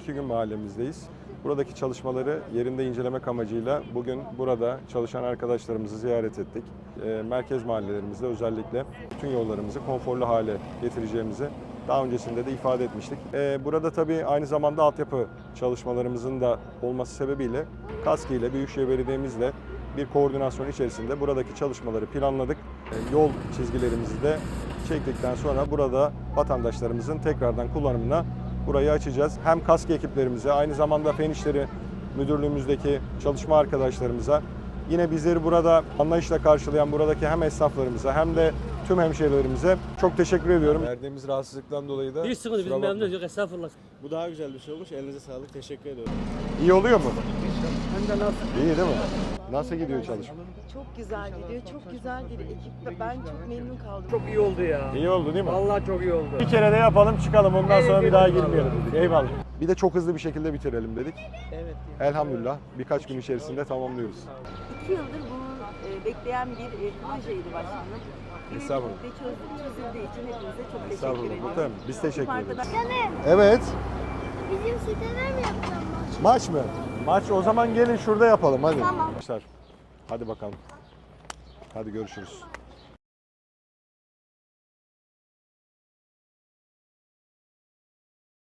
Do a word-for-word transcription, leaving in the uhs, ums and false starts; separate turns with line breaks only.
iki gün mahallemizdeyiz. Buradaki çalışmaları yerinde incelemek amacıyla bugün burada çalışan arkadaşlarımızı ziyaret ettik. E, merkez mahallelerimizde özellikle bütün yollarımızı konforlu hale getireceğimizi daha öncesinde de ifade etmiştik. E, burada tabii aynı zamanda altyapı çalışmalarımızın da olması sebebiyle KASKİ ile Büyükşehir Belediye'mizle bir koordinasyon içerisinde buradaki çalışmaları planladık. E, yol çizgilerimizi de çektikten sonra burada vatandaşlarımızın tekrardan kullanımına burayı açacağız. Hem KASKİ ekiplerimize, aynı zamanda Fen İşleri Müdürlüğümüzdeki çalışma arkadaşlarımıza, yine bizleri burada anlayışla karşılayan buradaki hem esnaflarımıza hem de tüm hemşehrilerimize çok teşekkür ediyorum. Verdiğimiz rahatsızlıktan dolayı da
Hiç sıkıntı, biz
kusura bakmayın.
memnunuz, yok estağfurullah.
Bu daha güzel bir şey olmuş. Elinize sağlık. Teşekkür ediyorum.
İyi oluyor mu?
Hem de nasıl?
İyi değil mi? Nasıl gidiyor çalışma?
Çok güzel gidiyor, çok güzel gidiyor. Ekip ben çok memnun kaldım.
Çok iyi oldu ya.
İyi oldu değil mi?
Vallahi çok iyi oldu.
Bir kere de yapalım çıkalım, ondan
Evet,
sonra bir daha
eyvallah.
girmeyelim dedik. Eyvallah. Bir de çok hızlı bir şekilde bitirelim dedik.
Evet.
Elhamdülillah birkaç gün içerisinde tamamlıyoruz.
İki yıldır bunu e, bekleyen bir e, projeydi başkanım.
Estağfurullah.
Ve çöz- çözüldüğü için hepinize çok teşekkür
Estağfurullah.
ederim.
Muhtemelen. Biz teşekkür ederiz.
Arkadaşlar-
Evet.
Bizim sitede mi yapacağım maç?
Maç mı? Maç o zaman gelin şurada yapalım hadi.
Tamam.
Arkadaşlar, hadi bakalım. Hadi görüşürüz.